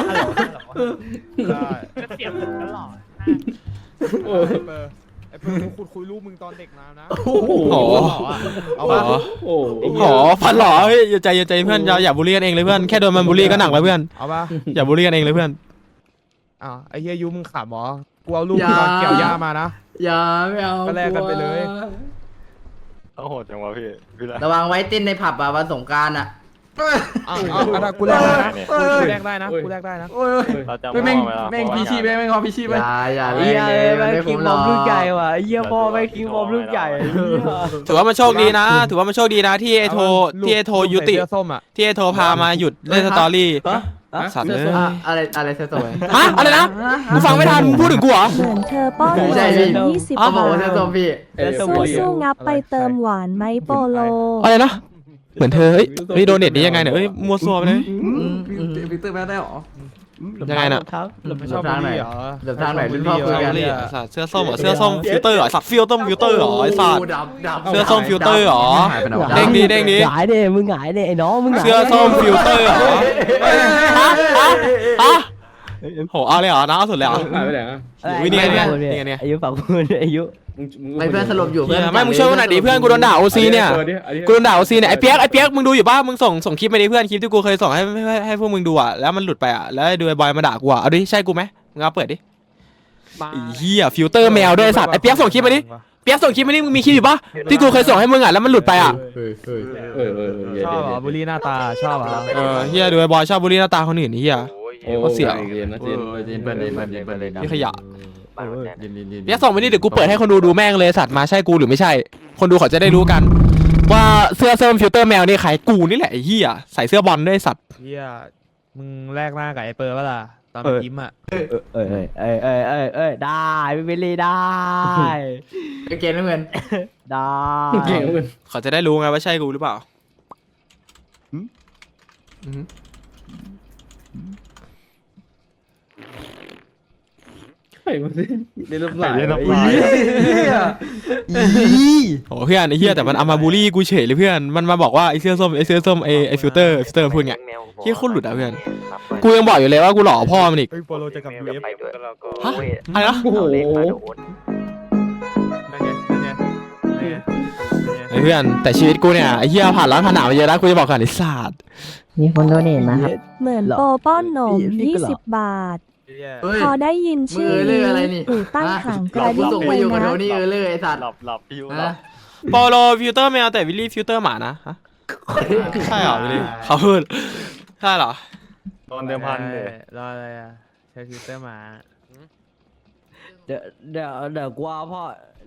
C: เสียงผมก็หล่อไอเปอร์กูคุยรูปมึงตอนเด็กมานะ
A: โอ้โห
C: เอาปะ
E: โอ้
A: โอ้โหพันหล่อเฮ้ยอย่าใจเพื่อนอย่าบูลลี่กันเองเลยเพื่อนแค่โดนมันบูลลี่ก็หนักแล้วเพื่อน
C: เอาปะ
A: อย่าบูลลี่กันเองเลยเพื่อน
C: อ้าวไอ้เฮียยูมึงขำหรอกูเอารูปตอนเกี่ยวหญ้ามานะ
H: อย่าไม่เอา
C: ก็แลกกันไปเลย
J: โอ้โหจังวะพี่ละ
H: ระวังไว้เต้นในผับอ่ะวันสงกรานต์อ่ะ
C: กูแลกได้นะกูแลกได้นะกูแลกได้นะ
J: เราจะ
H: แม่งพีชีพแม่งพอพีชีพไปอย่า
G: เหี้ยแม่งคิงบอมลูกใหญ่ว่ะเหี้ยพ่อแม่งคิงบอมลูกใหญ่
A: ถือว่ามันโชคดีนะที่ไอโทยุติ
C: เสื้อส้มอ่ะ
A: ที่ไอโทพามาหยุดเล่นสตอรี่สัตว์เลย
H: อะไรเสื้อส้ม
A: ฮะอะไรนะกูฟังไม่ทันมึงพูดถึงกูเหรอ
K: เหมือนเธอป้อนหวาน20
H: เขาบอกว่า
K: บา
H: เสื้อ
K: ท
H: ส้มพี่
K: สู้งับไปเติมหวานไหมโปโล
A: อะไรนะเหมือนเธอเฮ้ยโดเน็ตนี้ยังไงเนี่ยเอ้ยมัวซัวไปเลย
H: วิกเตอร์แม่ได้หรอ
A: ยังไงน่ะ
C: ไม่ชอบบุหรี่เหรอ
H: เดี๋ยวทางไหนรุ่นพ่อคุยกัน
A: สัตว์เสื้อส้มเหรอเสื้อส้มฟิลเตอร์เหรอสัตว์ฟิลเตอร์เหรอไอ้สัตว์เสื้อส้มฟิลเตอร์เหรอเด้งดี
G: หงายเด้มึงหงายเด้ไอ้น้องมึงหงาย
A: เสื้อส้มฟิลเตอร์เหรอฮะโหเอาเลยเหรอน้าเอาสุดเลยเหรอ
E: หายไปไหนอ่ะ
A: วินี่ไง
G: อายุฝั่งคุณอายุ
H: ไม่เพื่อนสลบอยู่
A: ไม่มึงช่วยกูหน่อยดิเพื่อนกูโดนด่าโอซีเนี่ยกูโดนด่าโอซีเนี่ยไอ้เปียกมึงดูอยู่ป่ะมึงส่งคลิปไปดิเพื่อนคลิปที่กูเคยส่งให้พวกมึงดูอ่ะแล้วมันหลุดไปอ่ะแล้วดูไอ้บอยมาด่ากูอ่ะเอาดิใช่กูไหมมึงเอาเปิดดิไอ้เหี้ยฟิลเตอร์แมวด้วยสัตว์ไอ้เปียกส่งคลิปมาดิเปียกส่งคลิปมาดิมึงมีคลิปอยู่ป่ะที่กูเคยส่งให้มึงอ่ะแล้วมันหลุดไปอ่ะ
C: ชอบเหรอบุหรี่หน้าตาชอบเหรอ
A: เฮียดูไอ้บอยชอบบูลลี่หน้าตาคนอื่นนี่เฮีย
E: โอ้เสียเย็นนะเย็น
J: เปิดเลยนะ
A: นี่ขยะเปียกส่งมาดิเดี๋ยวกูเปิดให้คนดูแม่งเลยสัตว์มาใช่กูหรือไม่ใช่ คนดูเขาจะได้รู้กัน ว่าเสื้อส้มฟิลเตอร์แมวนี่ใครกูนี่แหละไอ้เฮียใส่เสื้อบอลด้วยสัตว์
C: เฮียมึงแลกหน้ากับไอ้เปอร์ป่ะล่ะตอนยิ้มอ่ะ
G: ได้พี่บิลลี่ได้
H: เกณฑ์ไม่เหมือน
G: ได้
E: เก่งเหมือน
A: เขาจะได้รู้ไงว่าใช่กูหรือเปล่า
E: ใครมาสิในลมไหล
A: โอ้เพื่อนไอ้เฮียแต่มันเอามาบูลลี่กูเฉยเลยเพื่อนมันมาบอกว่าไอ้เสื้อส้มไอ้ฟิลเตอร์พูดไงเฮียโคตรหลุดอ่ะเพื่อนกูยังบอกอยู่เลยว่ากูหล่อพ่อมันอีก
C: เฮ้ยโปโลจะกลับยูเอฟ
A: ฮะอะไรนะ
E: โอ้โห
C: นั่นไง
A: ไอ้เพื่อนแต่ชีวิตกูเนี่ยไอ้เฮียผ่านร้อนผ่านหนาวมาเยอะนะกูจะบอกก่อนไอ้สัตว์
G: มีคนโดเนทมาครับ
K: เหมือนโปป้อนหนม20 บาท พอได้ยินชื่อนี้หูตั้งห่างกระดิ่ง
H: ส่ง
K: เล
H: ไป
K: ย
H: อยู่กับ
K: นะ
H: โทนี่เลยไอ้สัตว์
J: หลับพี่ยู
A: โปโลฟิลเตอร์แมวแต่วิลลี่ฟิลเตอร์หมานะฮะใช่เหรอวิลลี่เขาพูดใช่เหรอ
J: โดนเดิมพันเลย
C: รออะไรอ่ะใช้ฟิลเตอร์มา
G: เดี๋ยวกูเอาพ่อ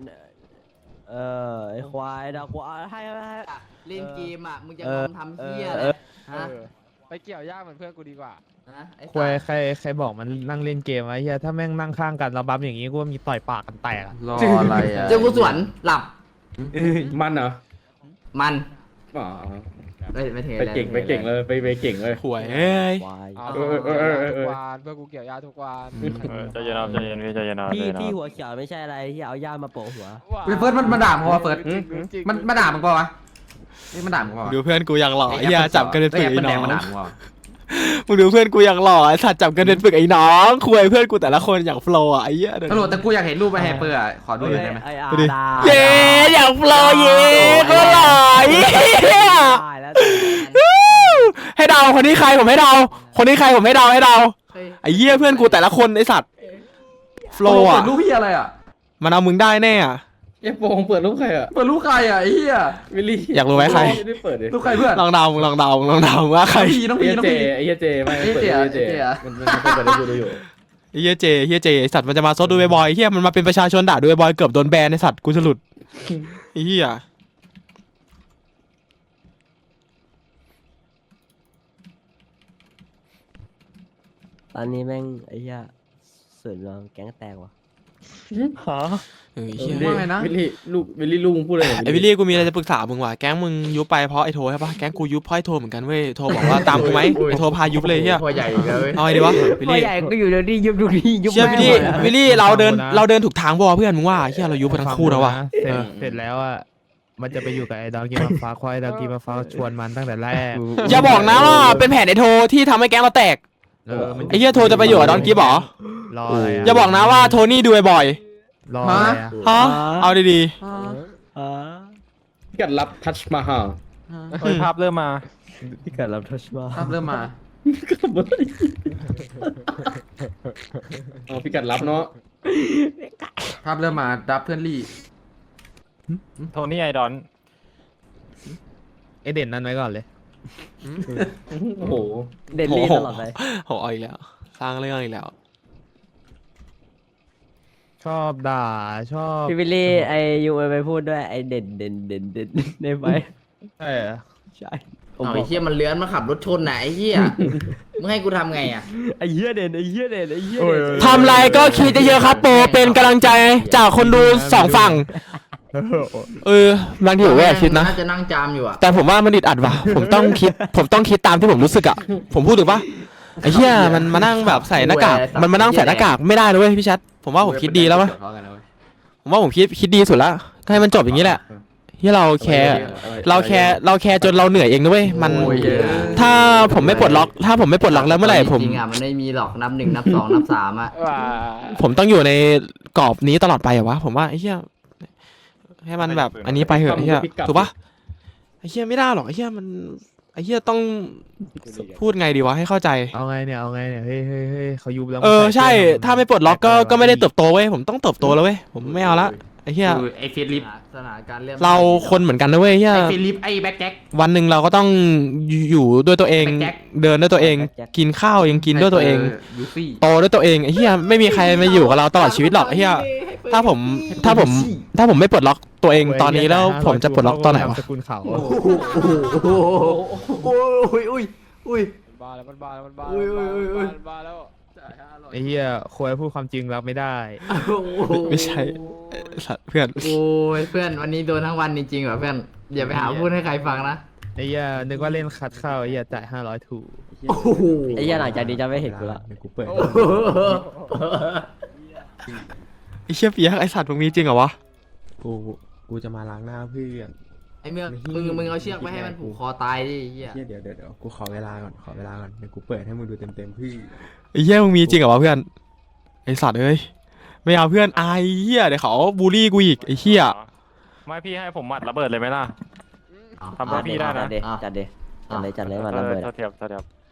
G: ไอ้ควายเดี๋ยวกูเอาให้
H: เล่นเกมอ่ะมึงจะทำเหี้ยฮะ
C: ไปเกี่ยวย่าเหมือนเพื่อนกูดีกว่า
H: ไอ้
C: ควายใครบอกมันนั่งเล่นเกมวะเฮียถ้าแม่งนั่งข้างกันแล้วบัฟอย่างงี้กูว่ามีต่อยปากกันแตก
H: รออะไรอ่ะเจ้ากูสวนหลับ
E: มันเหรอ
H: มัน
E: อ๋อ
H: ไม่เท
E: ไปเก่งเลยไปเก่งเลย
A: หวยเอ้ย
C: ทุกวันเพื่อกูเกี่ยวย่าทุกวัน
J: ใจเย็นครับใจเย็นพี่ใจเย็นนะ
G: พี่หัวเขียวไม่ใช่อะไรที่เอาย่ามาโปะหัว
H: เฟิร์สมันด่ามึงวะเฟิร์สมันด่ามึงปะวะ
D: นี่มันด่ามึงเปล่า
A: ดูเพื่อนกูอย่างหล่อไอ้เหี้ยจับกันเป็นปึกไอ้น้อง
D: มันด่ามึงเปล่า
A: มึงดูเพื่อนกูอย่างหล่อไอ้สัตว์จับกันเป็นปึกไอ้น้องคุยเพื่อนกูแต่ละคนอย่างโฟล์อ่ะไอ้เหี้ย
D: ตำรวจแต่กูอยากเห็นรูปไปแฮปเปอร์อ่ะขอดูหน่อยได้ไหม
A: ดูดิเย้อย่างโฟล์เย้ก็หล่อเย้ให้เดาคนนี้ใครผมให้เดาคนนี้ใครผมให้เดาไอ้เหี้ยเพื่อนกูแต่ละคนไอ้สัตว์โฟล์อ่ะ
D: รูปพี่อะไรอ่ะ
A: มันเอามึงได้แน่อ่ะ
E: เอฟโฟงเปิดรูปใครอ่ะ
D: เปิดรูปใครอ่ะไอ้เหี้ย
E: วิลลี่
A: อยากรู้ไหมใคร
E: ไม่ได้เปิดเลย
D: รูปใครเพื่อน
A: ลองเดาว่าใคร
D: น้อง
E: ไอ้
D: พีน้อง
E: เจ
D: พี
E: ไอ้เหี้ยเจไม่เปิดไอ้เจมันเปิดได้ดูอยู่
A: ไอ้เฮียเจไอ้สัตว์มันจะมาซดดูบ่อยๆไอ้เฮียมันมาเป็นประชาชนด่าดูบ่อยๆเกือบโดนแบนไอ้สัตว์กูจะหลุดไอ้เฮีย
G: ตอนนี้แม่งไอ้เหี้ยส่วนรวมแก๊งแตกว่ะ
A: ไอ้เฮีย
D: ว่าไงนะ
E: วิลลี่ลูกมึงพูดอะไร
A: ไอ้วิลลี่กูมีอะไรจะปรึกษามึงว่ะแก๊งมึงยุบไปเพราะไอ้โทใช่ปะแก๊งกูยุบเพราะไอ้โทเหมือนกันเว้ยโทบอกว่าตามกูไหมไอ้โทพายุบเลยเฮีย
D: ตัวใหญ่เลย
A: เอาไงดีวะวิล
G: พ่อ
A: ลี่
G: ใหญ่ก็อยู่เดี๋ยวนี้ยุบดูนี่ยุบ
A: เชื่อวิลลี่
G: แม่งหมดอะ
A: วิลลี่เราเดินถูกทางบ่เพื่อนมึงว่าเฮียเรายุบไปทั้งคู่แล้วว่ะ
C: เสร็จแล้วอ่ะมันจะไปอยู่กับไอ้ดอนกีมาฟ้าควายดอนกีมาฟ้าชวนมันตั้งแต่แรก
A: อย่าบอกนะว่าเป็นแผนไอ้โทที่ทำให้แก๊งเราแตก
C: มัน
A: ไอ้เฮียโทจะไปอยู่กับดอนกีบเหรอ
C: รออะไร
A: อย่าบอกนะว่าโทนี่ดูบ่อย
C: รออะไรอ่ะ
A: ๆฮะเอาดี
E: พี่กัดรับทัชมาฮา
J: เฮ้ยภาพเริ่มมา
G: พี่กัดรับทัชมา
D: ภาพเริ่มมา
E: พี่กัดรับเนาะ
D: ภาพเริ่มมาดับเพื่อนลี่
J: โทนี่ไอดอน
C: ไอเด่นนั่นไว้ก่อนเลย
E: โอ้โห
G: เด่นลี่ตลอดเลย
A: ๆโหเอาอีกแล้วสร้างเรื่องอีกแล้ว
C: ชอบด่าชอบ
G: พี่วิลลี่ไอยูไปพูดด้วยไอเด่นได้ไหม
C: ใช่เหรอ
G: ใช่
H: โอ้ยเหี้ยมันเลื้อนมาขับรถชนไหนไอ้เหี้ยมึงให้กูทำไงอ่ะ
G: ไอเหี้ยเด่นไอเหี้ยเด่น
A: ทำไรก็คิดเยอะๆครับโปรเป็นกำลังใจจากคนดูสองฝั่งบางทีผมก็อยากคิดนะ
H: น่าจะนั่งจามอยู่อ่ะ
A: แต่ผมว่ามันอึดอัดว่ะ ผมต้องคิดตามที่ผมรู้สึกอ่ะ ผมพูดถูกปะไอ้เหี้ยมันมานั่งแบบใส่หน้ากากมันมานั่งใส่หน้ากากไม่ได้เลยเว้ยพี่ชัดผมว่าผมคิดดีแล้ววะผมว่าผมคิดดีสุดละก็ให้มันจบอย่างนี้แหละที่เราแคร์จนเราเหนื่อยเองนะเว้ยมันถ้าผมไม่ปลดล็อกแล้วเมื่อไหร่ผม
H: จริงๆอ่ะมันไม่มีหรอกนับ 1 นับ 2 นับ 3อ่ะ
A: ผมต้องอยู่ในกรอบนี้ตลอดไปเหรอวะผมว่าไอ้เหี้ยให้มันแบบอันนี้ไปเหอะไอ้เหี้ยถูกปะไอ้เหี้ยไม่ได้หรอกไอ้เหี้ยมันไอ้เหี้ยต้องพูดไงดีวะให้เข้าใจ
C: เอาไงเนี่ยเฮ้ยเขายุบแล้ว
A: ใช่ถ้าไม่ปลดล็อกก็ไม่ได้เติบโตเว้ยผมต้องเติบโตแล้วเว้ยผมไม่เอาละไอ้เหี้ย
D: คือไอ้เฟลิป
H: สถานการณ์เรื่อง
A: เราคนเหมือนกันนะเว้ยเหี้ย
D: ไอ้เฟลิปไอ้แบ็คแจ็ค
A: วันหนึ่งเราก็ต้องอยู่ด้วยตัวเอง
D: แจ็ค
A: เดินด้วยตัวเอง กินข้าวยังกินด้วยตัวเอง
D: ยูฟี่
A: โตด้วยตัวเองไอ้เหี้ยไม่มีใครมาอยู่กับเราตลอดชีวิตหรอกไอ้เหี้ยถ้าผมไม่ปลดล็อกตัวเองตอนนี้แล้วผมจะปลดล็อกตอนไหนวะ
C: สกุลเขา
H: อุ้ย
J: บ้าแล้วมันบ้าแล้ว
H: บ้าแล้ว
C: ไอ้เหี้ยควรพูดความจริงรับไม่ได้
A: ไม่ใช่สัตว์เพื่อน
H: โอ้ยเพื่อนวันนี้โดนทั้งวันจริงๆว่ะเพื่อนอย่าไปหาพูดให้ใครฟังนะ
C: ไอ้เหี้ยนึกว่าเล่นคัดเข้าไอ้เหี้ยจ่าย500ถูก
H: โอ้โห
G: ไอเหี้ยหลังจากนี้จะไม่เห็นกูละ
A: กูเปิดไอ้เชี่ยเปียกไอ้สัตว์มึงมีจริงเหรอวะกูจะมาล้างหน้าเพื่อน
H: ไอ้เมืองมึงเอาเชือกไปให้มันผูกคอตายดิเหี้ย
A: เดี๋ยวกูขอเวลาก่อนเดี๋ยวกูเปิดให้มึงดูเต็มพี่ไอ้เหี้ยมึงมีจริงเหรอวะเพื่อนไอ้สัตว์เอ้ยไม่เอาเพื่อนอายเหี้ยเดี๋ยวเขาบูลลี่กูอีกไอ้เหี้ย
J: ไม่พี่ให้ผมหมัดระเบิดเลยไหมล่ะ ทำเพื่อพี่ได้นะ
G: จัดเลยมันระเบิด
J: เทียบ